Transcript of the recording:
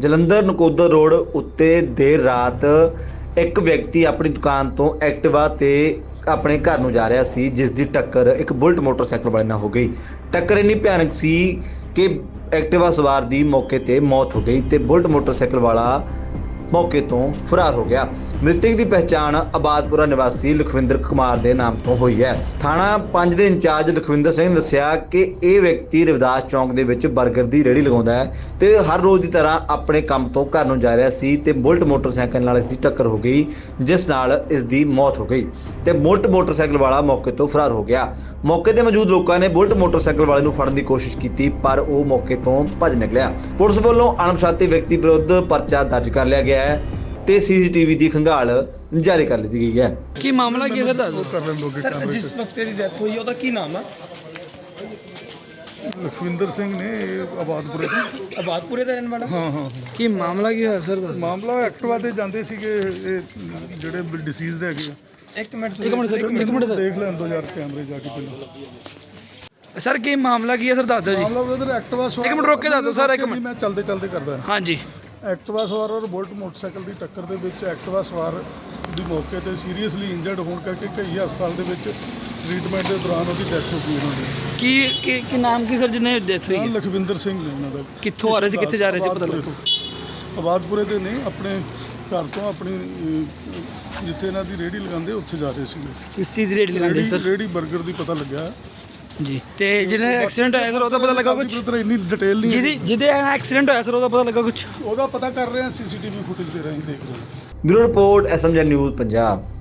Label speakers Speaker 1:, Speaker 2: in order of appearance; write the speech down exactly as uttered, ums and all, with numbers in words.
Speaker 1: Jalandhar Nakodar road ਉੱਤੇ ਦੇਰ ਰਾਤ ਇੱਕ ਵਿਅਕਤੀ ਆਪਣੀ ਦੁਕਾਨ ਤੋਂ ਐਕਟਿਵਾ ਤੇ ਆਪਣੇ ਘਰ ਨੂੰ ਜਾ ਰਿਹਾ ਸੀ, ਜਿਸ ਦੀ ਟੱਕਰ ਇੱਕ ਬੁਲਟ ਮੋਟਰਸਾਈਕਲ ਵਾਲੇ ਨਾਲ ਹੋ ਗਈ। ਟੱਕਰ ਇੰਨੀ ਭਿਆਨਕ ਸੀ ਕਿ ਐਕਟਿਵਾ ਸਵਾਰ ਦੀ ਮੌਕੇ ਤੇ ਮੌਤ ਹੋ ਗਈ ਤੇ ਬੁਲਟ ਮੋਟਰਸਾਈਕਲ ਵਾਲਾ ਮੌਕੇ ਤੋਂ ਫਰਾਰ ਹੋ ਗਿਆ। ਮ੍ਰਿਤਕ ਦੀ ਪਹਿਚਾਣ ਆਬਾਦਪੁਰਾ ਨਿਵਾਸੀ ਲਖਵਿੰਦਰ ਕੁਮਾਰ ਦੇ ਨਾਮ ਤੋਂ ਹੋਈ ਹੈ। ਥਾਣਾ ਪੰਜ ਦੇ ਇੰਚਾਰਜ ਲਖਵਿੰਦਰ ਸਿੰਘ ਨੇ ਦੱਸਿਆ ਕਿ ਇਹ ਵਿਅਕਤੀ ਰਵਿਦਾਸ ਚੌਂਕ ਦੇ ਵਿੱਚ 버ਗਰ ਦੀ ਰੇਹੜੀ ਲਗਾਉਂਦਾ ਹੈ ਤੇ ਹਰ ਰੋਜ਼ ਦੀ ਤਰ੍ਹਾਂ ਆਪਣੇ ਕੰਮ ਤੋਂ ਘਰ ਨੂੰ ਜਾ ਰਿਹਾ ਸੀ ਤੇ ਬੁਲਟ ਮੋਟਰਸਾਈਕਲ ਨਾਲ ਇਸ ਦੀ ਟੱਕਰ ਹੋ ਗਈ, ਜਿਸ ਨਾਲ ਇਸ ਦੀ ਮੌਤ ਹੋ ਗਈ ਤੇ ਬੁਲਟ ਮੋਟਰਸਾਈਕਲ ਵਾਲਾ ਮੌਕੇ ਤੋਂ ਫਰਾਰ ਹੋ ਗਿਆ। ਮੌਕੇ ਤੇ ਮੌਜੂਦ ਲੋਕਾਂ ਨੇ ਬੁਲਟ ਮੋਟਰਸਾਈਕਲ ਵਾਲੇ ਨੂੰ ਫੜਨ ਦੀ ਕੋਸ਼ਿਸ਼ ਕੀਤੀ, ਪਰ ਉਹ ਮੌਕੇ ਤੋਂ ਭੱਜ ਨਿਕਲਿਆ। ਪੁਲਿਸ ਵੱਲੋਂ ਅਣਪਛਾਤੇ ਵਿਅਕਤੀ ਵਿਰੁੱਧ ਪਰਚਾ ਦਰਜ ਕਰ ਲਿਆ ਗਿਆ ਹੈ ਤੇ ਸੀਸੀਟੀਵੀ ਦੀ ਖੰਗਾਲ ਜਾਰੀ ਕਰ ਲਈ ਗਈ ਹੈ।
Speaker 2: ਕੀ ਮਾਮਲਾ ਕੀ ਹੈ ਸਰ?
Speaker 3: ਸਰ ਜਿਸ ਵਕਤ ਦੀ ਡੈਥ ਹੋਈ ਉਹਦਾ ਕੀ ਨਾਮ ਹੈ?
Speaker 4: ਲਖਵਿੰਦਰ ਸਿੰਘ ਨੇ ਇਹ ਆਬਾਦਪੁਰੇ ਤੋਂ।
Speaker 3: ਆਬਾਦਪੁਰੇ ਦਾ ਰਹਿਣ ਵਾਲਾ?
Speaker 4: ਹਾਂ ਹਾਂ
Speaker 2: ਕੀ ਮਾਮਲਾ ਕੀ ਹੋਇਆ ਸਰ?
Speaker 4: ਮਾਮਲਾ ਐਕਟਿਵਾ ਤੇ ਜਾਂਦੇ ਸੀਗੇ ਇਹ ਜਿਹੜੇ ਡਿਸੀਜ਼ਡ ਹੈਗੇ ਆ।
Speaker 3: ਇੱਕ ਮਿੰਟ
Speaker 2: ਇੱਕ ਮਿੰਟ ਸਰ, ਇੱਕ ਮਿੰਟ ਸਰ।
Speaker 4: ਦੇਖ ਲੈਣ ਦੋ ਯਾਰ ਕੈਮਰੇ ਜਾ ਕੇ ਪਹਿਲਾਂ।
Speaker 2: ਸਰ ਕੀ ਮਾਮਲਾ ਕੀ ਹੈ ਸਰ, ਦੱਸ ਦਿਓ ਜੀ।
Speaker 4: ਮਾਮਲਾ ਬ੍ਰਦਰ ਐਕਟਿਵਾ ਸਵਾਰ
Speaker 2: ਇੱਕ ਮਿੰਟ ਰੁਕ ਕੇ ਦੱਸ ਦਿਓ ਸਰ, ਇੱਕ ਮਿੰਟ।
Speaker 4: ਮੈਂ ਚਲਦੇ ਚਲਦੇ ਕਰਦਾ।
Speaker 2: ਹਾਂਜੀ।
Speaker 4: ਐਕਟਿਵਾ ਸਵਾਰ ਔਰ ਬੁਲਟ ਮੋਟਰਸਾਈਕਲ ਦੀ ਟੱਕਰ ਦੇ ਵਿੱਚ ਐਕਟਿਵਾ ਸਵਾਰ ਦੀ ਮੌਕੇ ਤੇ ਸੀਰੀਅਸਲੀ ਇੰਜਰਡ ਹੋਣ ਕਰਕੇ ਕਈ ਹਸਪਤਾਲ ਦੇ ਵਿੱਚ ਟ੍ਰੀਟਮੈਂਟ ਦੇ ਦੌਰਾਨ ਉਹਦੀ ਡੈਥ ਹੋ ਗਈ ਉਹਨਾਂ ਦੀ।
Speaker 2: ਕੀ ਕੀ ਕੀ ਨਾਮ ਕੀ ਸਰ ਜਿਹਨੇ ਡੈਥ ਹੋਈ
Speaker 4: ਹਾਂ,
Speaker 2: ਹੈ?
Speaker 4: ਲਖਵਿੰਦਰ ਸਿੰਘ ਨੇ ਉਹਨਾਂ ਦਾ।
Speaker 2: ਕਿੱਥੋਂ ਆ ਰਹੇ ਸੀ, ਕਿੱਥੇ ਜਾ ਰਹੇ ਸੀ, ਪਤਾ
Speaker 4: ਆਬਾਦਪੁਰੇ ਤੋਂ। ਆਬਾਦਪੁਰੇ ਦੇ ਨੇ ਆਪਣੇ ਘਰ ਤੋਂ ਆਪਣੀ ਅਹ, ਜਿੱਥੇ ਇਹਨਾਂ ਦੀ ਰੇਹੜੀ ਲਗਾਉਂਦੇ ਉੱਥੇ ਜਾ ਰਹੇ ਸੀਗੇ।
Speaker 2: ਕਿਸ ਚੀਜ਼ ਦੀ ਰੇਟ ਲਗਾਉਂਦੇ ਸਰ?
Speaker 4: ਰੇਹੜੀ 버ਗਰ ਦੀ ਪਤਾ ਲੱਗਿਆ
Speaker 2: ਜੀ। ਤੇ ਜਿਹਨੇ ਐਕਸੀਡੈਂਟ ਹੋਇਆ ਸਰ ਉਹਦਾ ਪਤਾ ਲੱਗਾ ਕੁਝ?
Speaker 4: ਪੁੱਤਰ ਇੰਨੀ ਡਿਟੇਲ ਨਹੀਂ
Speaker 2: ਜਿਹਦੀ ਜਿਹਦੇ ਐਕਸੀਡੈਂਟ ਹੋਇਆ ਸਰ ਉਹਦਾ ਪਤਾ ਲੱਗਾ ਕੁਝ?
Speaker 4: ਉਹਦਾ ਪਤਾ ਕਰ ਰਹੇ ਹਾਂ, ਸੀਸੀਟੀਵੀ ਫੁਟੇਜ ਦੇ ਰਾਹੀਂ ਦੇਖ ਰਹੇ ਹਾਂ।
Speaker 1: Bureau report SMG news Punjab.